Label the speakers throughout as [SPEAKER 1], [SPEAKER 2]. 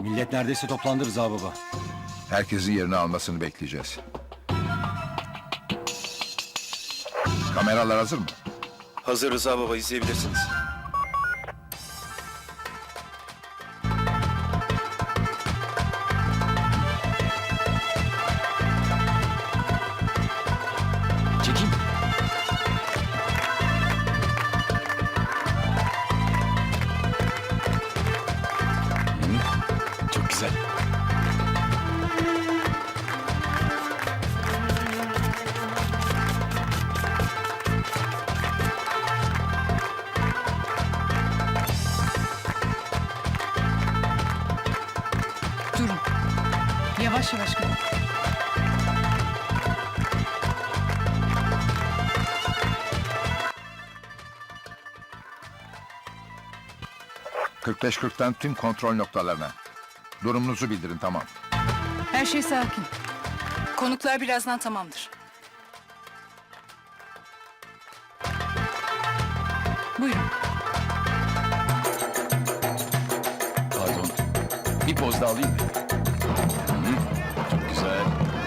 [SPEAKER 1] Millet neredeyse toplandı Rıza baba.
[SPEAKER 2] Herkesin yerini almasını bekleyeceğiz. Kameralar hazır mı?
[SPEAKER 3] Hazır Rıza baba, izleyebilirsiniz.
[SPEAKER 1] Çekim. Çok güzel.
[SPEAKER 4] Durun. Yavaş yavaş gidin.
[SPEAKER 2] ...45-40'tan tüm kontrol noktalarına. Durumunuzu bildirin, tamam.
[SPEAKER 4] Her şey sakin. Konuklar birazdan tamamdır. Buyurun.
[SPEAKER 1] Pardon. Bir poz daha alayım mı? Çok güzel.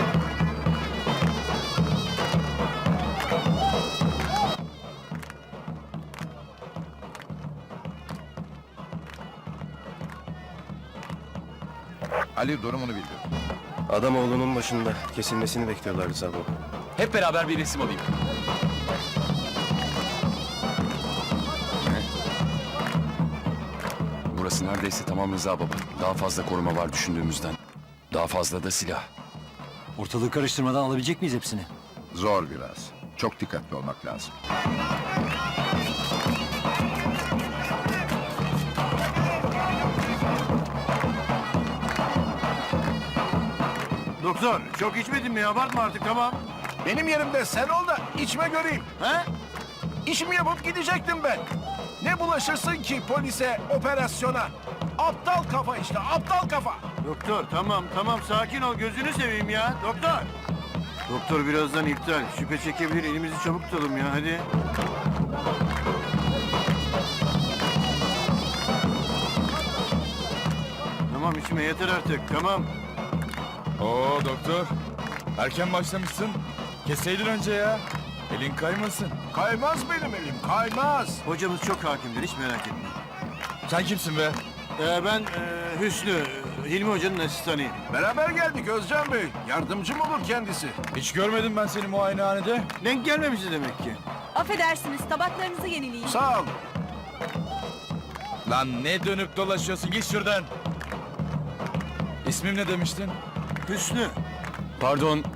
[SPEAKER 2] Ali, durumunu bildir.
[SPEAKER 3] Adamoğlu'nun başında kesilmesini bekliyorlar Rıza baba.
[SPEAKER 1] Hep beraber bir resim alayım. Burası neredeyse tamam Rıza baba. Daha fazla koruma var düşündüğümüzden. Daha fazla da silah.
[SPEAKER 5] Ortalığı karıştırmadan alabilecek miyiz hepsini?
[SPEAKER 2] Zor biraz. Çok dikkatli olmak lazım.
[SPEAKER 6] Doktor, çok içmedin mi? Abartma artık, tamam.
[SPEAKER 7] Benim yerimde sen ol da içme göreyim.
[SPEAKER 6] He?
[SPEAKER 7] İşimi yapıp gidecektim ben. Ne bulaşırsın ki polise, operasyona? Aptal kafa işte, aptal kafa.
[SPEAKER 6] Doktor, tamam, sakin ol. Gözünü seveyim ya, doktor. Doktor birazdan iptal. Şüphe çekebilir, elimizi çabuk tutalım ya, hadi. Tamam, içme yeter artık, tamam.
[SPEAKER 8] Oo doktor. Erken başlamışsın. Keseydin önce ya. Elin kaymasın.
[SPEAKER 7] Kaymaz benim elim, kaymaz.
[SPEAKER 6] Hocamız çok hakimdir, hiç merak etme.
[SPEAKER 8] Sen kimsin be?
[SPEAKER 6] Ben Hüsnü, Hilmi Hoca'nın asistanıyım.
[SPEAKER 7] Beraber geldik Özcan Bey. Yardımcım olur kendisi.
[SPEAKER 8] Hiç görmedim ben seni muayenehanede.
[SPEAKER 6] Denk gelmemişiz demek ki.
[SPEAKER 9] Affedersiniz, tabaklarınızı yenileyin.
[SPEAKER 7] Sağ ol.
[SPEAKER 8] Lan ne dönüp dolaşıyorsun? Git şuradan. İsmim ne demiştin?
[SPEAKER 6] Hüsnü.
[SPEAKER 1] Pardon.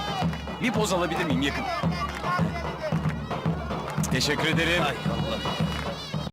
[SPEAKER 1] Bir poz alabilir miyim yakın? Teşekkür ederim.
[SPEAKER 5] Ay Allah.